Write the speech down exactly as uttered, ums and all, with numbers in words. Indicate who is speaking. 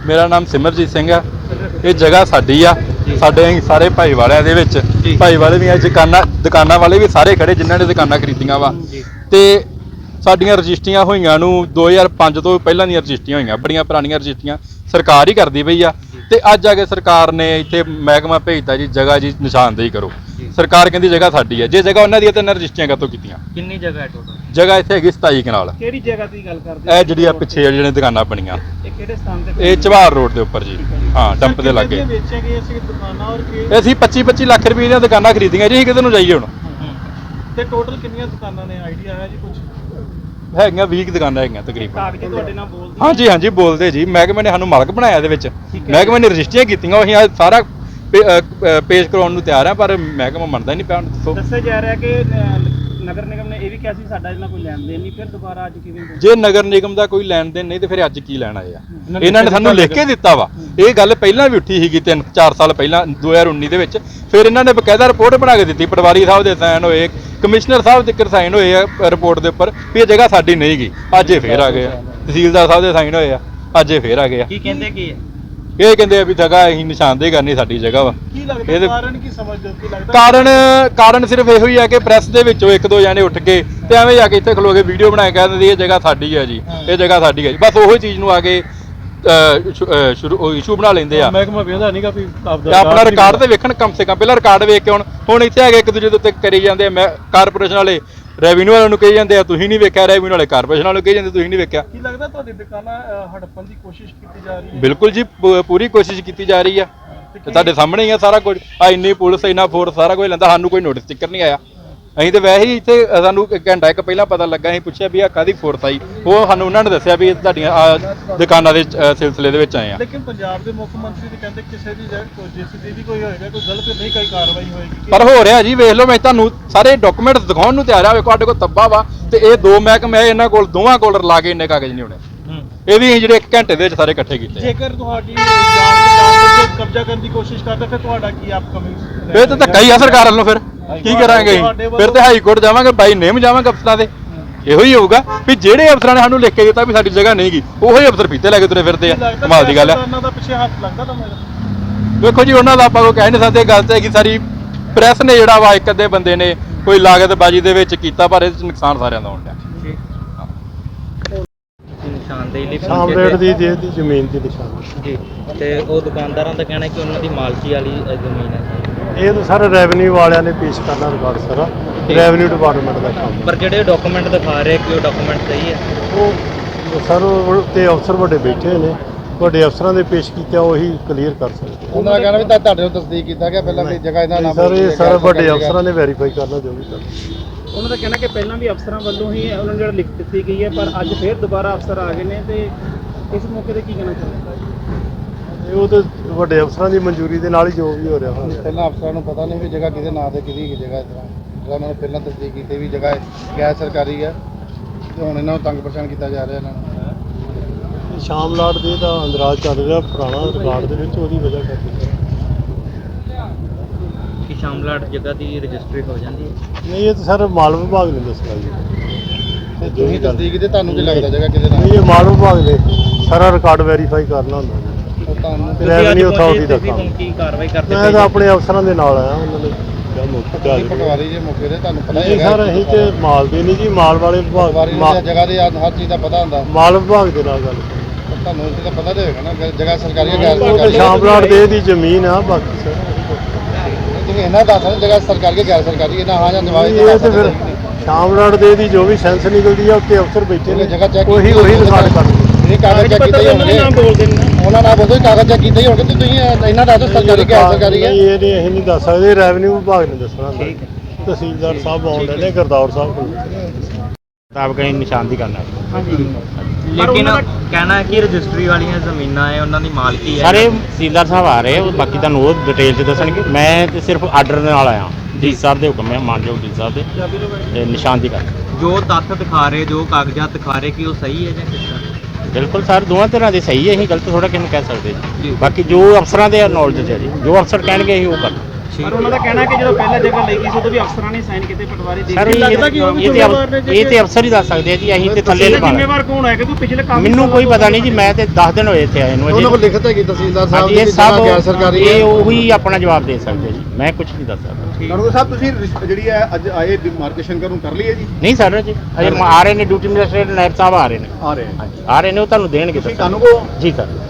Speaker 1: ਮੇਰਾ ਨਾਮ ਸਿਮਰਜੀਤ ਸਿੰਘ ਆ। ਇਹ ਜਗ੍ਹਾ ਸਾਡੀ ਆ, ਸਾਡੇ ਸਾਰੇ ਭਾਈ ਵਾਲਿਆਂ ਦੇ ਵਿੱਚ ਭਾਈ ਵਾਲੇ ਦੀਆਂ ਦੁਕਾਨਾਂ ਦੁਕਾਨਾਂ ਵਾਲੇ ਵੀ ਸਾਰੇ ਖੜੇ ਜਿਨ੍ਹਾਂ ਨੇ ਦੁਕਾਨਾਂ ਖਰੀਦੀਆਂ ਵਾ। ਤੇ ਸਾਡੀਆਂ ਰਜਿਸਟਰੀਆਂ ਹੋਈਆਂ ਨੂੰ ਦੋ ਹਜ਼ਾਰ ਪੰਜ ਤੋਂ ਪਹਿਲਾਂ ਦੀਆਂ ਰਜਿਸਟਰੀਆਂ ਹੋਈਆਂ, ਬੜੀਆਂ ਪੁਰਾਣੀਆਂ ਰਜਿਸਟਰੀਆਂ ਸਰਕਾਰ ਹੀ ਕਰਦੀ ਪਈ ਆ। ਤੇ ਅੱਜ ਆ ਕੇ ਸਰਕਾਰ ਨੇ ਇੱਥੇ ਮਹਿਕਮਾ ਭੇਜਤਾ ਜੀ ਜਗ੍ਹਾ ਜੀ ਨਿਸ਼ਾਨਦੇਹੀ ਕਰੋ। ਸਰਕਾਰ ਕਹਿੰਦੀ ਜਗ੍ਹਾ ਸਾਡੀ ਹੈ, ਜੇ ਜਗ੍ਹਾ ਉਹਨਾਂ ਦੀ ਹੈ ਤਾਂ ਇਹਨਾਂ ਰਜਿਸਟਰੀਆਂ ਕਾਹਤੋਂ ਕੀਤੀਆਂ?
Speaker 2: ਕਿੰਨੀ ਜਗ੍ਹਾ ਹੈ ਟੋਟਲ?
Speaker 1: ਜਗ੍ਹਾ ਇੱਥੇ ਹੈਗੀ ਸਤਾਈ ਕਨਾਲ।
Speaker 3: ਕਿਹੜੀ ਜਗ੍ਹਾ ਦੀ ਗੱਲ ਕਰਦੇ? ਇਹ
Speaker 1: ਜਿਹੜੀ ਆ ਪਿੱਛੇ ਜਿਹੜੀਆਂ ਦੁਕਾਨਾਂ ਬਣੀਆਂ,
Speaker 3: ਇਹ ਕਿਹੜੇ ਸਥਾਨ ਤੇ?
Speaker 1: ਇਹ ਚਵਾਰ ਰੋਡ ਦੇ ਉੱਪਰ ਜੀ। ਹਾਂ, ਡੰਪ ਦੇ ਲਾਗੇ।
Speaker 3: ਵੇਚੀਆਂ ਗਈਆਂ ਸੀ ਦੁਕਾਨਾਂ ਔਰ ਕੀ?
Speaker 1: ਅਸੀਂ ਪੱਚੀ ਪੱਚੀ ਲੱਖ ਰੁਪਏ ਦੀਆਂ ਦੁਕਾਨਾਂ ਖਰੀਦੀਆਂ ਜੀ। ਅਸੀਂ ਕਿਤੇ ਨੂੰ ਜਾਈਏ ਹੁਣ?
Speaker 3: ਤੇ ਟੋਟਲ ਕਿੰਨੀਆਂ ਦੁਕਾਨਾਂ ਨੇ, ਆਈਡੀਆ ਹੈ ਜੀ ਕੁਝ?
Speaker 1: ਹੈਗੀਆਂ ਵੀਹ ਦੁਕਾਨਾਂ ਹੈਗੀਆਂ ਤਕਰੀਬਨ।
Speaker 3: ਕਾਗਜ਼ ਤੁਹਾਡੇ ਨਾਲ ਬੋਲਦੇ?
Speaker 1: ਹਾਂਜੀ ਹਾਂਜੀ ਬੋਲਦੇ ਜੀ। ਮਹਿਕਮੇ ਨੇ ਸਾਨੂੰ ਮਾਲਕ ਬਣਾਇਆ ਇਹਦੇ ਵਿੱਚ। ਮਹਿਕਮੇ ਨੇ ਰਜਿਸਟਰੀਆਂ ਕੀਤੀਆਂ, ਅਸੀਂ ਅੱਜ ਸਾਰਾ ਪੇਸ਼ ਕਰਾਉਣ ਨੂੰ ਤਿਆਰ ਆ, ਪਰ ਮਹਿਕਮਾ ਮੰਨਦਾ ਹੀ ਨਹੀਂ ਪਿਆ। ਦੱਸੋ। ਦੱਸਿਆ
Speaker 3: ਜਾ ਰਿਹਾ ਕਿ ਨਗਰ ਨਿਗਮ ਨੇ ਇਹ ਵੀ ਕਿਹਾ ਸੀ ਸਾਡਾ ਇਹਨਾਂ ਕੋਈ ਲੈਣ ਦੇਣ ਨਹੀਂ, ਫਿਰ ਦੁਬਾਰਾ ਅੱਜ ਕਿਵੇਂ?
Speaker 1: ਜੇ ਨਗਰ ਨਿਗਮ ਦਾ ਕੋਈ ਲੈਣ ਦੇਣ ਨਹੀਂ ਤੇ ਫਿਰ ਅੱਜ ਕੀ ਲੈਣ ਆਏ ਆ? ਇਹਨਾਂ ਨੇ ਸਾਨੂੰ ਲਿਖ ਕੇ ਦਿੱਤਾ ਵਾ। ਇਹ ਗੱਲ ਪਹਿਲਾਂ ਵੀ ਉੱਠੀ ਸੀਗੀ ਤਿੰਨ ਚਾਰ ਸਾਲ ਪਹਿਲਾਂ ਦੋ ਹਜ਼ਾਰ ਉੱਨੀ ਦੇ ਵਿੱਚ। ਫਿਰ ਇਹਨਾਂ ਨੇ ਬਕਾਇਦਾ ਰਿਪੋਰਟ ਬਣਾ ਕੇ ਦਿੱਤੀ, ਪਟਵਾਰੀ ਸਾਹਿਬ ਦੇ ਸਾਈਨ ਹੋਏ, ਕਮਿਸ਼ਨਰ ਸਾਹਿਬ ਦੇ ਸਾਈਨ ਹੋਏ ਆ ਰਿਪੋਰਟ ਦੇ ਉੱਪਰ ਵੀ ਇਹ ਜਗ੍ਹਾ ਸਾਡੀ ਨਹੀਂ ਗਈ। ਅੱਜ ਇਹ ਫੇਰ ਆ ਗਏ ਆ, ਤਹਿਸੀਲਦਾਰ ਸਾਹਿਬ ਦੇ ਸਾਈਨ ਹੋਏ ਆ, ਅੱਜ ਇਹ ਫੇਰ ਆ ਗਏ ਆ।
Speaker 3: ਕੀ ਕਹਿੰਦੇ ਕੀ ਹੈ?
Speaker 1: ਇਹ ਕਹਿੰਦੇ ਆ ਵੀ ਜਗ੍ਹਾ ਅਸੀਂ ਨਿਸ਼ਾਨਦੇਹੀ ਕਰਨੀ ਸਾਡੀ ਜਗ੍ਹਾ ਵਾ।
Speaker 3: ਕੀ ਲੱਗਦਾ ਕਾਰਨ ਕੀ ਸਮਝਦੇ? ਕੀ ਲੱਗਦਾ
Speaker 1: ਕਾਰਨ ਕਾਰਨ ਸਿਰਫ ਇਹੋ ਹੀ ਹੈ ਕਿ ਪ੍ਰੈਸ ਦੇ ਵਿੱਚੋਂ ਇੱਕ ਦੋ ਜਾਣੇ ਉੱਠ ਕੇ ਤੇ ਐਵੇਂ ਜਾ ਕੇ ਇੱਥੇ ਖਲੋ ਕੇ ਵੀਡੀਓ ਬਣਾ ਕੇ ਕਹਿ ਦਿੰਦੇ ਇਹ ਜਗ੍ਹਾ ਸਾਡੀ ਹੈ ਜੀ, ਇਹ ਜਗ੍ਹਾ ਸਾਡੀ ਹੈ ਜੀ। ਬਸ ਉਹੀ ਚੀਜ਼ ਨੂੰ ਆ ਕੇ ਸ਼ੁਰੂ ਇਸ਼ੂ ਬਣਾ ਲੈਂਦੇ ਆ।
Speaker 3: ਮਹਿਕਮਾ ਵੇਖਦਾ ਨਹੀਂਗਾ ਵੀ
Speaker 1: ਆਪਣਾ ਰਿਕਾਰਡ ਤੇ ਵੇਖਣ ਕਮ ਸੇ ਕਮ, ਪਹਿਲਾਂ ਰਿਕਾਰਡ ਵੇਖ ਕੇ ਹੁਣ ਹੁਣ ਇੱਥੇ ਆ ਕੇ ਇੱਕ ਦੂਜੇ ਦੇ ਉੱਤੇ ਕਰੀ ਜਾਂਦੇ ਆ। ਮੈਂ ਕਾਰਪੋਰੇਸ਼ਨ ਵਾਲੇ ਰੈਵਨਿਊ ਵਾਲਿਆਂ ਨੂੰ ਕਹੀ ਜਾਂਦੇ ਆ ਤੁਸੀਂ ਨਹੀਂ ਵੇਖਿਆ, ਰੈਵਨਿਊ ਵਾਲੇ ਕਾਰਪੋਰੇਸ਼ਨ ਵਾਲਿਆਂ ਨੂੰ ਕਹੀ ਜਾਂਦੇ ਤੁਸੀਂ ਨਹੀਂ ਵੇਖਿਆ।
Speaker 3: ਕੀ ਲੱਗਦਾ ਤੁਹਾਡੀ ਦੁਕਾਨਾਂ ਹੜੱਪਣ ਦੀ ਕੋਸ਼ਿਸ਼ ਕੀਤੀ ਜਾ ਰਹੀ ਹੈ?
Speaker 1: ਬਿਲਕੁਲ ਜੀ, ਪੂਰੀ ਕੋਸ਼ਿਸ਼ ਕੀਤੀ ਜਾ ਰਹੀ ਆ। ਤੁਹਾਡੇ ਸਾਹਮਣੇ ਹੀ ਆ ਸਾਰਾ ਕੁਝ। ਆ ਇੰਨੀ ਪੁਲਿਸ, ਇੰਨਾ ਫੋਰਸ, ਸਾਰਾ ਕੁਝ ਲੈਂਦਾ, ਸਾਨੂੰ ਕੋਈ ਨੋਟਿਸ ਸਟਿੱਕਰ ਨਹੀਂ ਆਇਆ। ਅਸੀਂ ਤੇ ਵੈਸੇ ਹੀ ਇੱਥੇ ਸਾਨੂੰ ਇੱਕ ਘੰਟਾ ਇੱਕ ਪਹਿਲਾਂ ਪਤਾ ਲੱਗਾ, ਅਸੀਂ ਪੁੱਛਿਆ ਵੀ ਆ ਕਾਹਦੀ ਫੋਰਸ ਆਈ, ਉਹ ਸਾਨੂੰ ਉਹਨਾਂ ਨੇ ਦੱਸਿਆ ਵੀ ਤੁਹਾਡੀਆਂ ਦੁਕਾਨਾਂ ਦੇ ਸਿਲਸਿਲੇ ਦੇ ਵਿੱਚ ਆਏ ਆ।
Speaker 3: ਲੇਕਿਨ ਪੰਜਾਬ ਦੇ ਮੁੱਖ ਮੰਤਰੀ ਤੇ ਕਹਿੰਦੇ ਕਿਸੇ ਦੀ ਜਿਸ ਦੀ ਕੋਈ ਹੋਏਗਾ ਕੋਈ ਗਲਤ ਨਹੀਂ ਕੋਈ ਕਾਰਵਾਈ ਹੋਏਗੀ।
Speaker 1: ਪਰ ਹੋ ਰਿਹਾ ਜੀ, ਵੇਖ ਲਓ, ਮੈਂ ਤੁਹਾਨੂੰ ਸਾਰੇ ਡਾਕੂਮੈਂਟਸ ਦਿਖਾਉਣ ਨੂੰ ਤਿਆਰ ਆ। ਵੇਖੋ ਸਾਡੇ ਕੋਲ ਤੱਬਾ ਵਾ ਤੇ ਇਹ ਦੋ ਮਹਿਕਮੇ ਇਹਨਾਂ ਕੋਲ, ਦੋਵਾਂ ਕੋਲ ਰਲਾ ਕੇ ਇੰਨੇ ਕਾਗਜ਼ ਨਹੀਂ ਹੋਣੇ। ਇਹ ਵੀ ਜਿਹੜੇ ਇੱਕ ਘੰਟੇ ਦੇ ਵਿੱਚ ਸਾਰੇ ਇਕੱਠੇ ਕੀਤੇ।
Speaker 3: ਜੇਕਰ ਤੁਹਾਡੀ ਜਾਣ ਕੇ ਕਬਜ਼ਾ ਕਰਨ ਦੀ ਕੋਸ਼ਿਸ਼ ਕਰਦੇ ਫਿਰ ਤੁਹਾਡਾ ਕੀ ਆਪਕਮਿੰਗ?
Speaker 1: ਫਿਰ ਤਾਂ ਧੱਕਾ ਹੀ ਆ ਸਰਕਾਰ ਵੱਲੋਂ। ਫਿਰ ਕੀ ਕਰਾਂਗੇ? ਫਿਰ ਤੇ ਹਾਈ ਕੋਰਟ ਜਾਵਾਂਗੇ, ਬਾਈ ਨੇਮ ਜਾਵਾਂਗੇ ਅਫਸਰਾਂ ਦੇ। ਇਹੋ ਹੀ ਹੋਊਗਾ ਵੀ ਜਿਹੜੇ ਅਫਸਰਾਂ ਨੇ ਸਾਨੂੰ ਲਿਖ ਕੇ ਦਿੱਤਾ ਵੀ ਸਾਡੀ ਜਗ੍ਹਾ ਨਹੀਂ ਗਈ, ਉਹੀ ਅਫਸਰ ਫੀਤੇ ਲੈ ਕੇ ਤੁਰੇ ਫਿਰਦੇ ਆ। ਕਮਾਲ ਦੀ ਗੱਲ ਹੈ।
Speaker 3: ਉਹਨਾਂ ਦਾ ਪਿੱਛੇ ਹੱਥ ਲੱਗਦਾ ਤਾਂ ਮੇਰਾ।
Speaker 1: ਵੇਖੋ ਜੀ, ਉਹਨਾਂ ਦਾ ਆਪਾਂ ਕੋਈ ਕਹਿ ਨਹੀਂ ਸਕਦੇ। ਗੱਲ ਤੇ ਹੈਗੀ ਸਾਰੀ ਪ੍ਰੈਸ ਨੇ ਜਿਹੜਾ ਵਾ ਇੱਕ ਅੱਧੇ ਬੰਦੇ ਨੇ ਕੋਈ ਲਾਗਤਬਾਜ਼ੀ ਦੇ ਵਿੱਚ ਕੀਤਾ, ਪਰ ਇਹ ਨੁਕਸਾਨ ਸਾਰਿਆਂ ਦਾ ਹੋਣ ਡਿਆ।
Speaker 3: ਸਾਮਰੇਟ ਦੀ ਦੇ ਦੀ ਜ਼ਮੀਨ ਦੀ ਨਿਸ਼ਾਨ
Speaker 2: ਜੀ। ਤੇ ਉਹ ਦੁਕਾਨਦਾਰਾਂ ਦਾ ਕਹਿਣਾ ਕਿ ਉਹਨਾਂ ਦੀ ਮਾਲਕੀ ਵਾਲੀ ਜ਼ਮੀਨ ਹੈ।
Speaker 3: ਇਹ ਤਾਂ ਸਾਰੇ ਰੈਵਨਿਊ ਵਾਲਿਆਂ ਨੇ ਪੇਸ਼ ਕਰਨਾ ਰਿਕਾਰਡ ਸਾਰਾ, ਰੈਵਨਿਊ ਡਿਪਾਰਟਮੈਂਟ ਦਾ ਕੰਮ।
Speaker 2: ਪਰ ਜਿਹੜੇ ਡਾਕੂਮੈਂਟ ਦਿਖਾ ਰਹੇ ਕਿ ਉਹ ਡਾਕੂਮੈਂਟ ਸਹੀ ਹੈ?
Speaker 3: ਉਹ ਸਰ ਤੇ ਅਫਸਰ ਵੱਡੇ ਬੈਠੇ ਨੇ, ਵੱਡੇ ਅਫਸਰਾਂ ਦੇ ਪੇਸ਼ ਕੀਤਾ ਉਹੀ ਕਲੀਅਰ ਕਰ ਸਕਦੇ।
Speaker 4: ਉਹਨਾਂ ਦਾ ਕਹਿਣਾ ਵੀ ਤਾਂ ਤੁਹਾਡੇ ਨੂੰ ਤਸਦੀਕ ਕੀਤਾ ਗਿਆ ਪਹਿਲਾਂ ਵੀ ਜਗ੍ਹਾ ਇਹਨਾਂ ਨਾਮ
Speaker 3: ਸਰ ਇਹ ਸਾਰੇ ਵੱਡੇ ਅਫਸਰਾਂ ਨੇ ਵੈਰੀਫਾਈ ਕਰਨਾ ਜੋ ਵੀ ਕਰਨਾ।
Speaker 5: ਉਹਨਾਂ ਦਾ ਕਹਿਣਾ ਕਿ ਪਹਿਲਾਂ ਵੀ ਅਫਸਰਾਂ ਵੱਲੋਂ ਹੀ ਉਹਨਾਂ ਨੂੰ ਜਿਹੜਾ ਲਿਖ ਦਿੱਤੀ ਗਈ ਹੈ, ਪਰ ਅੱਜ ਫਿਰ ਦੁਬਾਰਾ ਅਫਸਰ ਆ ਗਏ ਨੇ। ਤੇ ਇਸ ਮੌਕੇ ਤੇ ਕੀ ਕਹਿਣਾ ਚਾਹੁੰਦੇ?
Speaker 3: ਉਹ ਤਾਂ ਵੱਡੇ ਅਫਸਰਾਂ ਦੀ ਮਨਜ਼ੂਰੀ ਦੇ ਨਾਲ ਹੀ ਜੋ ਵੀ ਹੋ ਰਿਹਾ ਹੋਣਾ।
Speaker 4: ਪਹਿਲਾਂ ਅਫਸਰਾਂ ਨੂੰ ਪਤਾ ਨਹੀਂ ਵੀ ਜਗ੍ਹਾ ਕਿਹਦੇ ਨਾਂ ਤੇ ਕਿਹਦੀ ਜਗ੍ਹਾ, ਇਸ ਤਰ੍ਹਾਂ ਜਿਹੜਾ ਉਹਨਾਂ ਨੇ ਪਹਿਲਾਂ ਤਸਦੀਕ ਕੀਤੀ ਵੀ ਜਗ੍ਹਾ ਗੈਰ ਸਰਕਾਰੀ ਹੈ ਤੇ ਹੁਣ ਇਹਨਾਂ ਨੂੰ ਤੰਗ ਪਰੇਸ਼ਾਨ ਕੀਤਾ ਜਾ ਰਿਹਾ ਇਹਨਾਂ ਨੂੰ।
Speaker 3: ਸ਼ਾਮ ਲਾਟ ਦੇ ਦਾ ਅੰਦਰਾਜ ਚੱਲ ਰਿਹਾ ਪੁਰਾਣਾ ਰਿਕਾਰਡ ਦੇ ਵਿੱਚ, ਉਹਦੀ ਵਜ੍ਹਾ ਕਰਕੇ
Speaker 2: ਕਿ ਸ਼ਾਮਲਾਟ ਜਗ੍ਹਾ ਦੀ ਰਜਿਸਟਰੀ ਹੋ ਜਾਂਦੀ ਹੈ?
Speaker 3: ਨਹੀਂ, ਇਹ ਤਾਂ ਸਰ ਮਾਲ ਵਿਭਾਗ ਨੇ ਦੱਸਣਾ ਜੀ।
Speaker 4: ਤੇ ਤੁਸੀਂ ਤਸਦੀਕ ਦੇ ਤੁਹਾਨੂੰ ਕੀ ਲੱਗਦਾ ਜਗ੍ਹਾ ਕਿਹਦੇ ਨਾਂ?
Speaker 3: ਨਹੀਂ, ਇਹ ਮਾਲ ਵਿਭਾਗ ਨੇ ਸਾਰਾ ਰਿਕਾਰਡ ਵੈਰੀਫਾਈ ਕਰਨਾ ਹੁੰਦਾ ਜੀ।
Speaker 4: ਉਹ ਤੁਹਾਨੂੰ
Speaker 3: ਰੈਵਨਿਊ ਅਥਾਰਟੀ ਦਾ ਕੰਮ।
Speaker 2: ਹੁਣ ਕੀ ਕਾਰਵਾਈ ਕਰਦੇ?
Speaker 3: ਮੈਂ ਤਾਂ ਆਪਣੇ ਅਫਸਰਾਂ ਦੇ ਨਾਲ ਆਇਆ, ਉਹਨਾਂ ਨੇ ਕਿਹਾ ਮੌਕੇ ਤੇ ਆ
Speaker 4: ਤੁਸੀਂ ਪਟਵਾਰੀ ਜੇ ਮੌਕੇ ਤੇ ਤੁਹਾਨੂੰ ਪਤਾ ਹੀ
Speaker 3: ਨਹੀਂ
Speaker 4: ਹੈਗਾ।
Speaker 3: ਸਰ, ਅਸੀਂ ਤੇ ਮਾਲ ਦੇ ਨਹੀਂ ਜੀ, ਮਾਲ ਵਾਲੇ ਵਿਭਾਗ,
Speaker 4: ਪਟਵਾਰੀ ਨੂੰ ਤਾਂ ਜਗ੍ਹਾ ਦੇ ਹਰ ਚੀਜ਼ ਦਾ ਪਤਾ ਹੁੰਦਾ।
Speaker 3: ਮਾਲ ਵਿਭਾਗ ਦੇ ਨਾਲ ਗੱਲ ਕਰਨੀ।
Speaker 4: ਤੁਹਾਨੂੰ ਇਸ ਦਾ ਪਤਾ ਤੇ ਹੋਏਗਾ ਨਾ ਕਿ ਜਗ੍ਹਾ ਸਰਕਾਰੀ ਹੈ ਗੈਰ
Speaker 3: ਉਹ ਤਾਂ
Speaker 4: ਸਰਕਾਰੀ।
Speaker 3: ਸ਼ਾਮਲਾਟ ਦੇ ਦੀ ਜ਼ਮੀਨ ਆ, ਬਾਕੀ ਸਰ
Speaker 4: ਤੁਸੀਂ ਇਹਨਾਂ ਦੱਸ ਸਕਦੇ ਜਗ੍ਹਾ ਸਰਕਾਰੀ ਹੈ ਗੈਰ ਸਰਕਾਰੀ ਹੈ ਨਾ? ਹਾਂ ਜਾਂ ਜਵਾਬ
Speaker 3: ਇਹ ਤੇ ਫਿਰ ਸ਼ਾਮਲਾਟ ਦੇ ਦੀ ਜੋ ਵੀ ਸੈਂਸ ਨਿਕਲਦੀ ਆ, ਉੱਤੇ ਅਫਸਰ ਬੈਠੇ ਨੇ,
Speaker 4: ਜਗ੍ਹਾ ਚੈੱਕ
Speaker 3: ਉਹੀ ਉਹੀ ਰਿਕਾਰਡ ਕਰਨਗੇ।
Speaker 4: ਇਹ ਕਾਗਜ਼ ਚੈੱਕ ਕੀਤੇ ਹੋਣਗੇ,
Speaker 5: ਬੋਲਦੇ ਨੇ
Speaker 4: ਉਹਨਾਂ ਨਾਲ ਬੋਲਦੇ ਕਾਗਜ਼ ਚੈੱਕ ਕੀਤੇ ਹੋਣਗੇ ਤੇ ਤੁਸੀਂ ਇਹਨਾਂ ਦੱਸੋ ਸਰਕਾਰੀ ਗੈਰ ਸਰਕਾਰੀ ਹੈ?
Speaker 3: ਨਹੀਂ, ਇਹ ਨਹੀਂ, ਅਸੀਂ ਨਹੀਂ ਦੱਸ ਸਕਦੇ, ਰੈਵਨਿਊ ਵਿਭਾਗ ਨੇ ਦੱਸਣਾ ਹੁੰਦਾ। ਤਹਿਸੀਲਦਾਰ ਸਾਹਿਬ ਆਉਂਦੇ ਨੇ, ਗੁਰਦੌਰ ਸਾਹਿਬ ਕੋਲ
Speaker 6: ਮੁਤਾਬਕ ਅਸੀਂ ਨਿਸ਼ਾਨਦੀ ਕਰਨਾ।
Speaker 2: ਲੇਕਿਨ ਕਹਿਣਾ ਹੈ ਕਿ ਰਜਿਸਟਰੀ ਵਾਲੀਆਂ ਜ਼ਮੀਨਾਂ ਹੈ ਉਹਨਾਂ ਦੀ ਮਾਲਕੀ ਹੈ।
Speaker 6: ਸਾਰੇ ਤਹਿਸੀਲਦਾਰ ਸਾਹਿਬ ਆ ਰਹੇ, ਉਹ ਬਾਕੀ ਤੁਹਾਨੂੰ ਉਹ ਡਿਟੇਲ 'ਚ ਦੱਸਣਗੇ। ਮੈਂ ਤੇ ਸਿਰਫ ਆਰਡਰ ਦੇ ਨਾਲ ਆਇਆ, ਡੀ ਸਾਹਿਬ ਦੇ ਹੁਕਮ ਹੈ, ਮਾਨਯੋਗ ਡੀ ਸਾਹਿਬ ਦੇ, ਤੇ ਨਿਸ਼ਾਨਦੀ ਕਰ।
Speaker 2: ਜੋ ਤੱਥ ਦਿਖਾ ਰਹੇ, ਜੋ ਕਾਗਜ਼ਾਤ ਦਿਖਾ ਰਹੇ ਕਿ ਉਹ ਸਹੀ ਹੈ ਜਾਂ ਕਿਸ ਤਰ੍ਹਾਂ?
Speaker 6: ਬਿਲਕੁਲ ਸਰ, ਦੋਵਾਂ ਤਰ੍ਹਾਂ ਦੇ ਸਹੀ ਹੈ, ਅਸੀਂ ਗਲਤ ਥੋੜਾ ਕਿਹਨੂੰ ਕਹਿ ਸਕਦੇ ਜੀ। ਬਾਕੀ ਜੋ ਅਫਸਰਾਂ ਦੇ ਨੌਲੇਜ 'ਚ ਹੈ ਜੀ, ਜੋ ਅਫਸਰ ਕਹਿਣਗੇ ਅਸੀਂ ਉਹ ਕਰ।
Speaker 5: ਪਰ ਉਹਨਾਂ ਦਾ ਕਹਿਣਾ ਕਿ ਜਦੋਂ ਪਹਿਲਾਂ ਜਗ੍ਹਾ ਲਈ ਗਈ ਸੀ ਉਦੋਂ ਵੀ ਅਫਸਰਾਂ ਨੇ ਸਾਈਨ ਕੀਤੇ ਪਟਵਾਰੀ ਦੇ
Speaker 6: ਸਰ
Speaker 5: ਕੇ।
Speaker 6: ਇਹ
Speaker 5: ਲੱਗਦਾ ਕਿ ਉਹ ਵੀ
Speaker 6: ਇਹ ਤੇ
Speaker 5: ਜ਼ਿੰਮੇਵਾਰ ਨੇ
Speaker 6: ਅਫ- ਇਹ ਤੇ ਅਫਸਰ ਹੀ ਦੱਸ ਸਕਦੇ ਆ ਜੀ, ਅਸੀਂ ਤੇ ਥੱਲੇ
Speaker 5: ਇਹਦਾ
Speaker 6: ਲਗਾ
Speaker 5: ਜ਼ਿੰਮੇਵਾਰ ਕੌਣ ਹੈ ਕਿਉਂਕਿ ਪਿਛਲੇ ਕਾਫੀ
Speaker 6: ਮੈਨੂੰ
Speaker 5: ਸਾਲਾਂ
Speaker 6: ਕੋਈ
Speaker 5: ਤੋਂ
Speaker 6: ਪਤਾ ਨਹੀਂ ਜੀ, ਮੈਂ ਤੇ ਦਸ ਦਿਨ ਹੋਏ ਇੱਥੇ ਆਏ ਨੂੰ
Speaker 4: ਉਹਨਾਂ ਕੋਲ
Speaker 6: ਅਜੇ।
Speaker 4: ਲਿਖਤ ਹੈਗੀ ਤਹਿਸੀਲਦਾਰ ਸਾਹਿਬ
Speaker 6: ਹਾਂਜੀ
Speaker 4: ਦੀ
Speaker 6: ਇਹ
Speaker 4: ਕਿ
Speaker 6: ਸਭ
Speaker 4: ਜਗ੍ਹਾ ਗੈਰ ਸਰਕਾਰੀ ਹੈ।
Speaker 6: ਇਹ ਉਹੀ ਆਪਣਾ ਜਵਾਬ ਦੇ ਸਕਦੇ ਜੀ, ਮੈਂ ਕੁਝ ਨਹੀਂ ਦੱਸ ਸਕਦਾ।
Speaker 7: ਕਾਨੂੰਗੋ ਸਾਹਿਬ ਤੁਸੀਂ ਰਿਸ- ਜਿਹੜੀ ਹੈ ਅੱਜ ਆਏ ਡਿਮਾਰਕੇਸ਼ਨ ਕਰਨ ਕਰ ਲਈ ਹੈ ਜੀ
Speaker 6: ਨਹੀਂ ਸਰ ਜੀ ਅਜੇ ਆ ਰਹੇ ਨੇ ਡਿਊਟੀ ਮੈਜਿਸਟ੍ਰੇਟ ਨਾਇਬ ਸਾਹਿਬ ਆ ਰਹੇ ਨੇ
Speaker 7: ਆ ਰਹੇ
Speaker 6: ਹਾਂਜੀ ਆ ਰਹੇ ਨੇ, ਉਹ ਤੁਹਾਨੂੰ ਦੇਣਗੇ
Speaker 7: ਤੁਸੀਂ
Speaker 6: ਦੱਸਣਗੇ।
Speaker 7: ਕਾਨੂੰਗੋ
Speaker 6: ਜੀ ਸਰ।